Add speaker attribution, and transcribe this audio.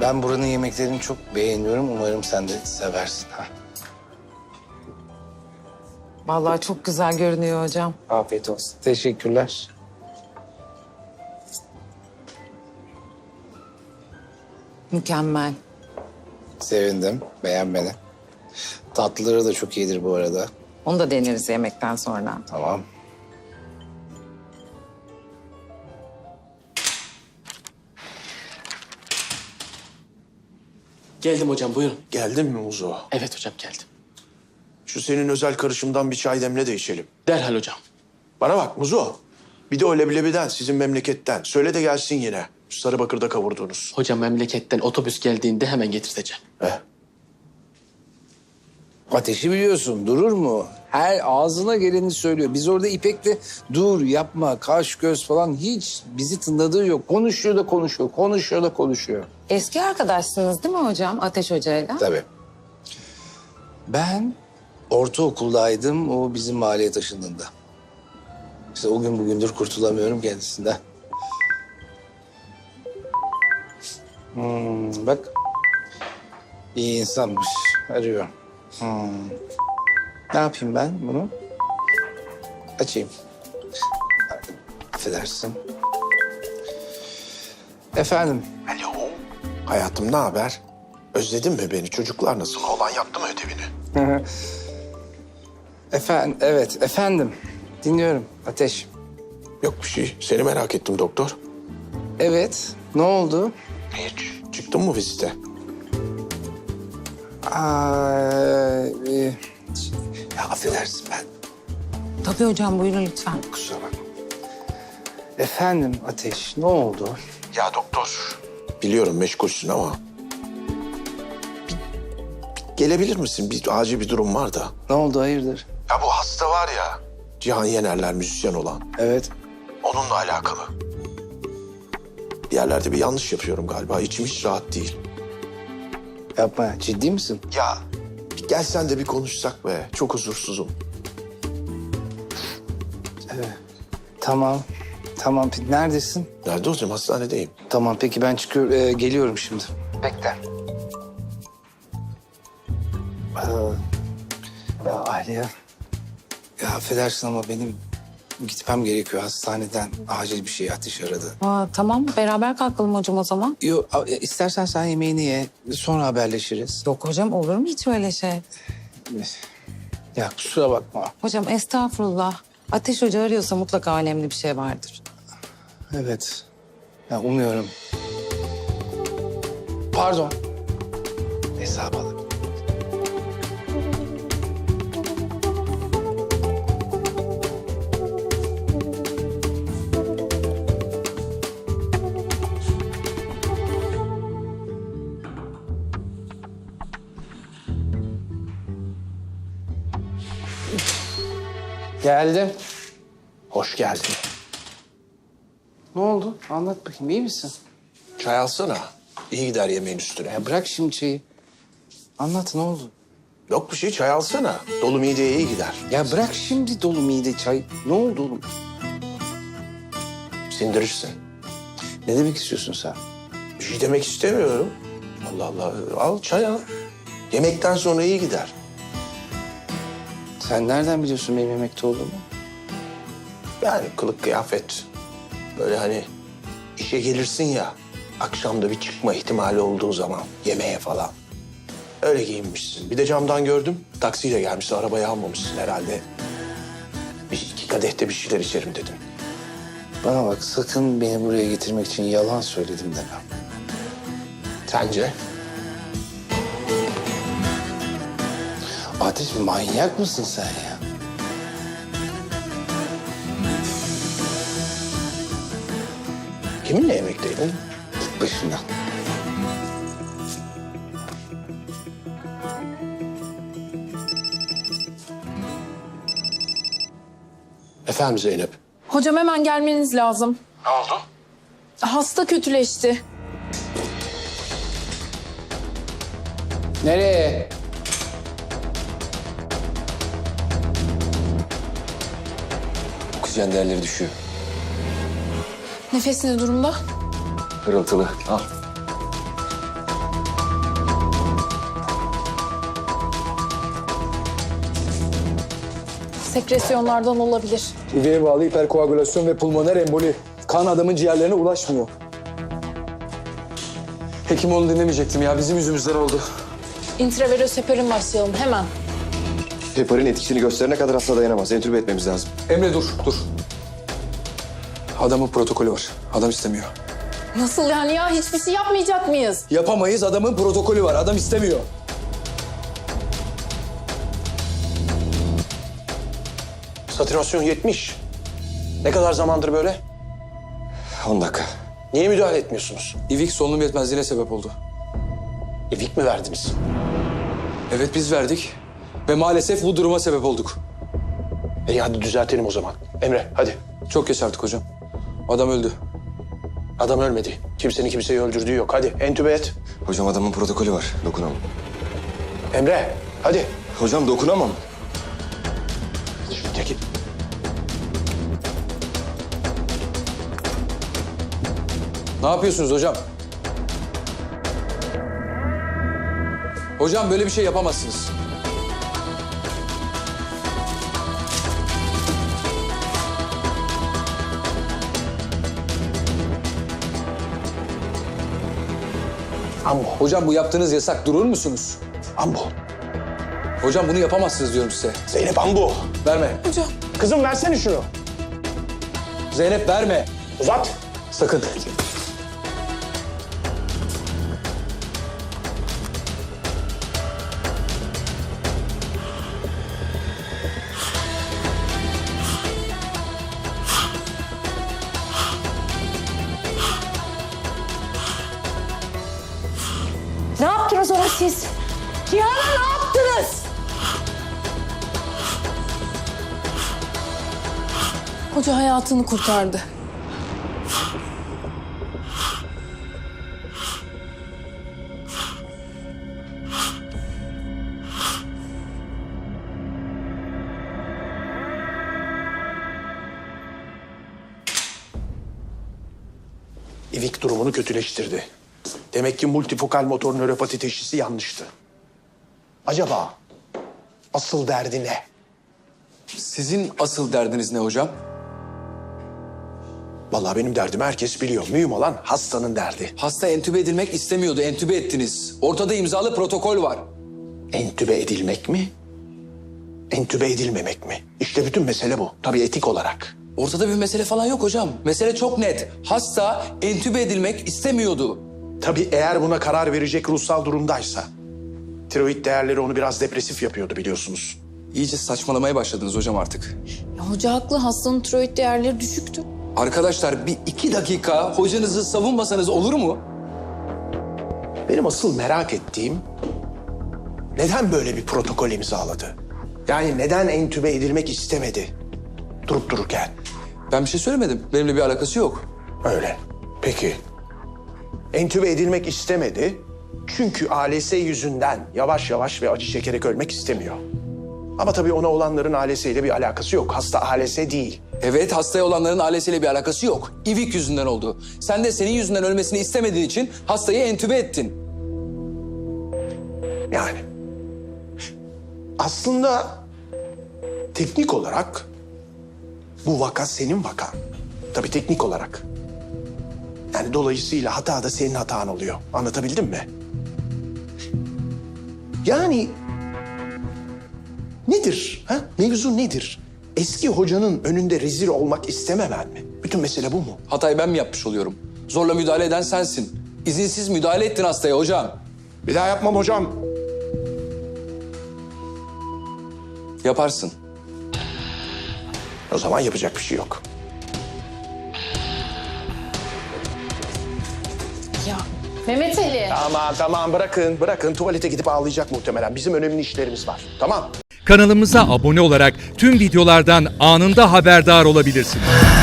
Speaker 1: Ben buranın yemeklerini çok beğeniyorum. Umarım sen de seversin. Ha.
Speaker 2: Vallahi çok güzel görünüyor hocam.
Speaker 1: Afiyet olsun. Teşekkürler.
Speaker 2: Mükemmel.
Speaker 1: Sevindim. Beğenmeni. Tatlıları da çok iyidir bu arada.
Speaker 2: Onu da deneriz yemekten sonra.
Speaker 1: Tamam.
Speaker 3: Geldim hocam, buyurun.
Speaker 4: Geldin mi Muzo?
Speaker 3: Evet hocam, geldim.
Speaker 4: Şu senin özel karışımdan bir çay demle de içelim.
Speaker 3: Derhal hocam.
Speaker 4: Bana bak Muzo. Bir de o leblebiden, sizin memleketten. Söyle de gelsin yine. Şu Sarıbakır'da kavurduğunuz.
Speaker 3: Hocam memleketten otobüs geldiğinde hemen getirteceğim.
Speaker 4: Heh.
Speaker 1: Ateşi biliyorsun. Durur mu? Her ağzına geleni söylüyor. Biz orada İpek'le dur yapma, kaş göz falan hiç bizi tınladığı yok. Konuşuyor da konuşuyor, konuşuyor da konuşuyor.
Speaker 2: Eski arkadaşsınız değil mi hocam Ateş Hoca'yla?
Speaker 1: Tabii. Ben ortaokuldaydım o bizim mahalleye taşındığında. İşte o gün bugündür kurtulamıyorum kendisinden. Bak. İyi insanmış. Arıyor. Ne yapayım ben bunu? Açayım. Affedersin. Efendim.
Speaker 4: Alo. Hayatım ne haber? Özledin mi beni? Çocuklar nasıl? Oğlan yaptı mı ödevini?
Speaker 1: Efendim, evet efendim. Dinliyorum Ateş.
Speaker 4: Yok bir şey. Seni merak ettim doktor.
Speaker 1: Evet, ne oldu?
Speaker 4: Hiç. Çıktın mı vizite?
Speaker 1: Ya affedersin ben.
Speaker 2: Tabii hocam buyurun lütfen.
Speaker 1: Kusura bakma. Efendim Ateş, ne oldu?
Speaker 4: Ya doktor. Biliyorum meşgulsün ama... Gelebilir misin? Bir acil bir durum var da.
Speaker 1: Ne oldu, hayırdır?
Speaker 4: Ya bu hasta var ya. Cihan Yenerler müzisyen olan.
Speaker 1: Evet.
Speaker 4: Onunla alakalı. Bir yerlerde bir yanlış yapıyorum galiba. İçim hiç rahat değil.
Speaker 1: Yapma, ciddi misin?
Speaker 4: Ya bir gelsen de bir konuşsak be. Çok huzursuzum.
Speaker 1: Tamam. Tamam, neredesin?
Speaker 4: Nerede olacağım? Hastanedeyim.
Speaker 1: Tamam, peki ben çıkıyorum, geliyorum şimdi. Bekle. Ya Aliye. Ya affedersin ama benim gitmem gerekiyor hastaneden. Acil bir şey Ateş aradı.
Speaker 2: Tamam beraber kalkalım hocam o zaman.
Speaker 1: Yok, istersen sen yemeğini ye. Sonra haberleşiriz.
Speaker 2: Yok hocam olur mu hiç öyle şey?
Speaker 1: Ya kusura bakma.
Speaker 2: Hocam estağfurullah. Ateş Hoca arıyorsa mutlaka önemli bir şey vardır.
Speaker 1: Evet. Ya umuyorum. Pardon. Hesabı alın. Geldim.
Speaker 4: Hoş geldin.
Speaker 1: Ne oldu? Anlat bakayım. İyi misin?
Speaker 4: Çay alsana. İyi gider yemeğin üstüne.
Speaker 1: Ya bırak şimdi çayı. Anlat, ne oldu?
Speaker 4: Yok bir şey, çay alsana. Dolu mideye iyi gider.
Speaker 1: Ya bırak şimdi dolu mide çay. Ne oldu oğlum?
Speaker 4: Sindirirsin.
Speaker 1: Ne demek istiyorsun sen?
Speaker 4: Bir şey demek istemiyorum. Allah Allah. Al çay al. Yemekten sonra iyi gider.
Speaker 1: Sen nereden biliyorsun benim yemekte olduğumu?
Speaker 4: Yani kılık kıyafet. Böyle hani işe gelirsin ya. Akşamda bir çıkma ihtimali olduğu zaman yemeğe falan. Öyle giyinmişsin. Bir de camdan gördüm. Taksiyle gelmişsin. Arabayı almamışsın herhalde. Bir iki kadehte bir şeyler içerim dedim.
Speaker 1: Bana bak, sakın beni buraya getirmek için yalan söyledim deme.
Speaker 4: Sence?
Speaker 1: Ateş, manyak mısın sen ya?
Speaker 4: Kiminle yemekteydin?
Speaker 1: Git başımdan.
Speaker 4: Efendim Zeynep?
Speaker 5: Hocam hemen gelmeniz lazım.
Speaker 4: Ne oldu?
Speaker 5: Hasta kötüleşti.
Speaker 1: Nereye?
Speaker 6: Oksijen değerleri düşüyor.
Speaker 5: Nefes ne durumda?
Speaker 6: Hırıltılı. Al.
Speaker 5: Sekresyonlardan olabilir.
Speaker 7: İveğe bağlı hiperkoagülasyon ve pulmoner emboli. Kan adamın ciğerlerine ulaşmıyor. Hekim onu dinlemeyecektim ya. Bizim yüzümüzden oldu.
Speaker 5: İntravenöz heparin başlayalım hemen.
Speaker 6: Heparin etkisini gösterene kadar hasta dayanamaz. Entübe etmemiz lazım.
Speaker 7: Emre dur. Adamın protokolü var. Adam istemiyor.
Speaker 5: Nasıl yani ya? Hiçbir şey yapmayacak mıyız?
Speaker 7: Yapamayız. Adamın protokolü var. Adam istemiyor.
Speaker 4: Satürasyon 70. Ne kadar zamandır böyle?
Speaker 6: 10 dakika.
Speaker 4: Niye müdahale etmiyorsunuz?
Speaker 7: İvik solunum yetmezliğine sebep oldu.
Speaker 4: İvik mi verdiniz?
Speaker 7: Evet biz verdik. Ve maalesef bu duruma sebep olduk.
Speaker 4: İyi hadi düzeltelim o zaman. Emre hadi.
Speaker 7: Çok geç artık hocam. Adam öldü.
Speaker 4: Adam ölmedi. Kimsenin kimseyi öldürdüğü yok. Hadi entübe et.
Speaker 6: Hocam adamın protokolü var. Dokunamam.
Speaker 4: Emre hadi.
Speaker 6: Hocam dokunamam.
Speaker 4: Çekil.
Speaker 7: Ne yapıyorsunuz hocam? Hocam böyle bir şey yapamazsınız.
Speaker 4: Ambo.
Speaker 7: Hocam bu yaptığınız yasak. Durur musunuz?
Speaker 4: Ambo.
Speaker 7: Hocam bunu yapamazsınız diyorum size.
Speaker 4: Zeynep ambo.
Speaker 7: Verme.
Speaker 4: Kızım versene şunu.
Speaker 7: Zeynep verme.
Speaker 4: Uzat.
Speaker 7: Sakın.
Speaker 2: Ne yaptınız ona siz? Cihan'a ne yaptınız?
Speaker 5: Hoca hayatını kurtardı.
Speaker 4: İvik durumunu kötüleştirdi. Demek ki multifokal motor nöropati teşhisi yanlıştı. Acaba asıl derdi ne?
Speaker 7: Sizin asıl derdiniz ne hocam?
Speaker 4: Vallahi benim derdimi herkes biliyor. Mühim olan hastanın derdi.
Speaker 7: Hasta entübe edilmek istemiyordu. Entübe ettiniz. Ortada imzalı protokol var.
Speaker 4: Entübe edilmek mi? Entübe edilmemek mi? İşte bütün mesele bu. Tabii etik olarak.
Speaker 7: Ortada bir mesele falan yok hocam. Mesele çok net. Hasta entübe edilmek istemiyordu.
Speaker 4: Tabii eğer buna karar verecek ruhsal durumdaysa. Tiroid değerleri onu biraz depresif yapıyordu biliyorsunuz.
Speaker 7: İyice saçmalamaya başladınız hocam artık.
Speaker 5: Ya hoca haklı. Hastanın tiroid değerleri düşüktü.
Speaker 7: Arkadaşlar bir 2 dakika hocanızı savunmasanız olur mu?
Speaker 4: Benim asıl merak ettiğim neden böyle bir protokol imzaladı? Yani neden entübe edilmek istemedi durup dururken?
Speaker 7: Ben bir şey söylemedim. Benimle bir alakası yok.
Speaker 4: Öyle. Peki. Entübe edilmek istemedi çünkü ALS yüzünden yavaş yavaş ve acı çekerek ölmek istemiyor. Ama tabii ona olanların ALS ile bir alakası yok. Hasta ALS değil.
Speaker 7: Evet, hastaya olanların ailesiyle bir alakası yok. İvik yüzünden oldu. Sen de senin yüzünden ölmesini istemediğin için hastayı entübe ettin.
Speaker 4: Yani. Aslında teknik olarak bu vaka senin vakan. Tabii teknik olarak. Yani dolayısıyla hata da senin hatan oluyor. Anlatabildim mi? Yani nedir? Ha? Mevzu nedir? Eski hocanın önünde rezil olmak istememen mi? Bütün mesele bu mu?
Speaker 7: Hatayı ben mi yapmış oluyorum? Zorla müdahale eden sensin. İzinsiz müdahale ettin hastaya hocam.
Speaker 4: Bir daha yapmam hocam.
Speaker 7: Yaparsın.
Speaker 4: O zaman yapacak bir şey yok.
Speaker 5: Ya Mehmet Ali.
Speaker 4: Tamam bırakın. Tuvalete gidip ağlayacak muhtemelen. Bizim önemli işlerimiz var. Tamam.
Speaker 8: Kanalımıza abone olarak tüm videolardan anında haberdar olabilirsiniz.